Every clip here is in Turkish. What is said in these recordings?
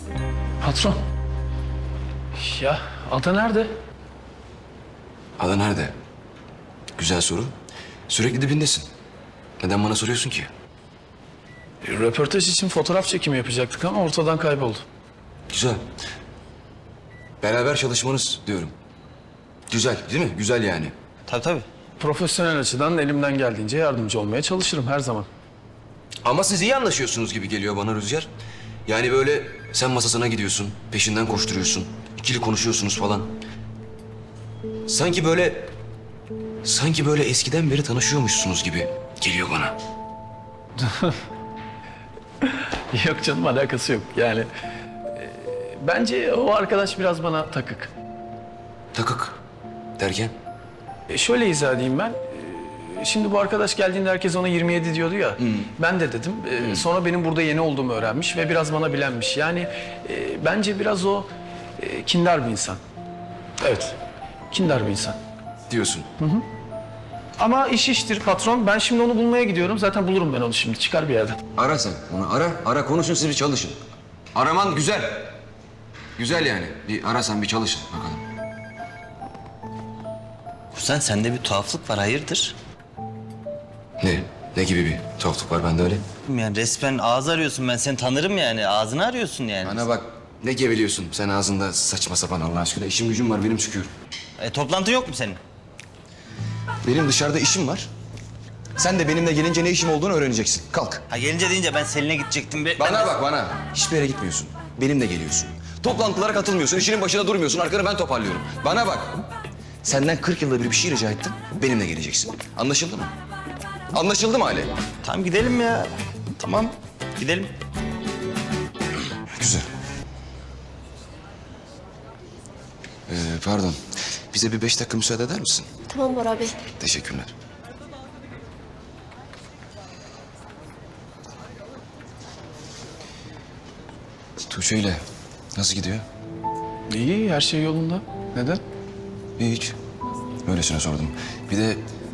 Patron. Ya Ada nerede? Ada nerede? Güzel soru. Sürekli dibindesin. Neden bana soruyorsun ki? Röportaj için fotoğraf çekimi yapacaktık ama ortadan kayboldu. Güzel. Beraber çalışmanız diyorum. Güzel değil mi? Güzel yani. Tabii. Profesyonel açıdan elimden geldiğince yardımcı olmaya çalışırım her zaman. Ama siz iyi anlaşıyorsunuz gibi geliyor bana Rüzgar. Yani böyle sen masasına gidiyorsun, peşinden koşturuyorsun, ikili konuşuyorsunuz falan. Sanki böyle eskiden beri tanışıyormuşsunuz gibi geliyor bana. Yok canım, alakası yok. Yani bence o arkadaş biraz bana takık. Takık derken? Şöyle izah edeyim ben. Şimdi bu arkadaş geldiğinde herkes ona 27 diyordu ya. Ben de dedim. Sonra benim burada yeni olduğumu öğrenmiş ve biraz bana bilenmiş. Yani bence biraz o kindar bir insan. Evet, kindar bir insan. Diyorsun. Ama iş iştir patron. Ben şimdi onu bulmaya gidiyorum. Zaten bulurum ben onu şimdi. Çıkar bir yerden. Ara sen onu ara konuşun siz bir çalışın. Araman güzel. Güzel yani. Bir arasan bir çalışın bakalım. Kuzen sende bir tuhaflık var, hayırdır? Ne? Ne gibi bir tuhaflık var bende öyle? Yani resmen ağız arıyorsun, ben seni tanırım yani. Ağzını arıyorsun yani. Bana bak ne geveliyorsun sen ağzında saçma sapan Allah aşkına. İşim gücüm var benim çıkıyorum. Toplantı yok mu senin? Benim dışarıda işim var. Sen de benimle gelince ne işim olduğunu öğreneceksin. Kalk. Ha gelince deyince ben Selin'e gidecektim. Bana bak bana. Hiçbir yere gitmiyorsun. Benimle geliyorsun. Toplantılara katılmıyorsun. İşinin başında durmuyorsun. Arkanı ben toparlıyorum. Bana bak. Senden 40 yılda bir şey rica ettim. Benimle geleceksin. Anlaşıldı mı? Anlaşıldı mı Ali? Tamam gidelim ya. Tamam gidelim. Güzel. Pardon. Bize bir 5 dakika müsaade eder misin? Tamam Bora Bey. Teşekkürler. Tuğçe ile nasıl gidiyor? İyi, her şey yolunda. Neden? Hiç. Öylesine sordum. Bir de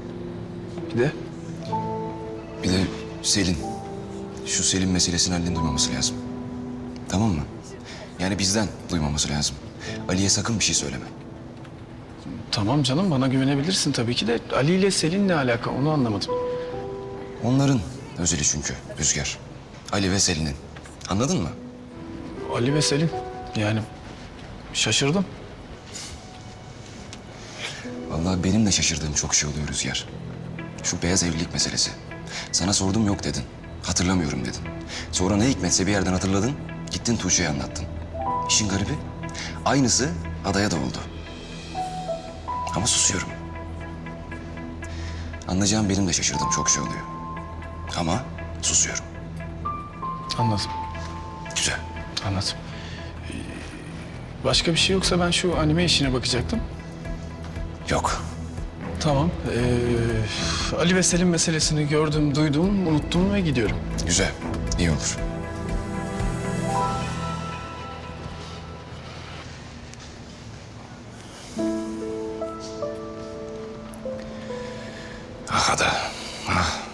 Bir de Selin. Şu Selin meselesini Ali'nin duymaması lazım. Tamam mı? Yani bizden duymaması lazım. Ali'ye sakın bir şey söyleme. tamam canım, bana güvenebilirsin tabii ki de Ali ile Selin ne alaka, onu anlamadım. Onların özeli çünkü Rüzgar. Ali ve Selin'in. Anladın mı? Ali ve Selin, yani şaşırdım. Vallahi benim de şaşırdığım çok şey oluyor Rüzgar. Şu beyaz evlilik meselesi. Sana sordum yok dedin. Hatırlamıyorum dedin. Sonra ne hikmetse bir yerden hatırladın. Gittin Tuğçe'ye anlattın. İşin garibi aynısı Adaya da oldu. Ama susuyorum. Anlayacağım benim de şaşırdığım çok şey oluyor. Ama susuyorum. Anladım, Güzel. anladım. Başka bir şey yoksa ben şu anime işine bakacaktım. Yok. Tamam. Ali ve Selin meselesini gördüm, duydum, unuttum ve gidiyorum. Güzel. İyi olur. Ah Ada. Ah.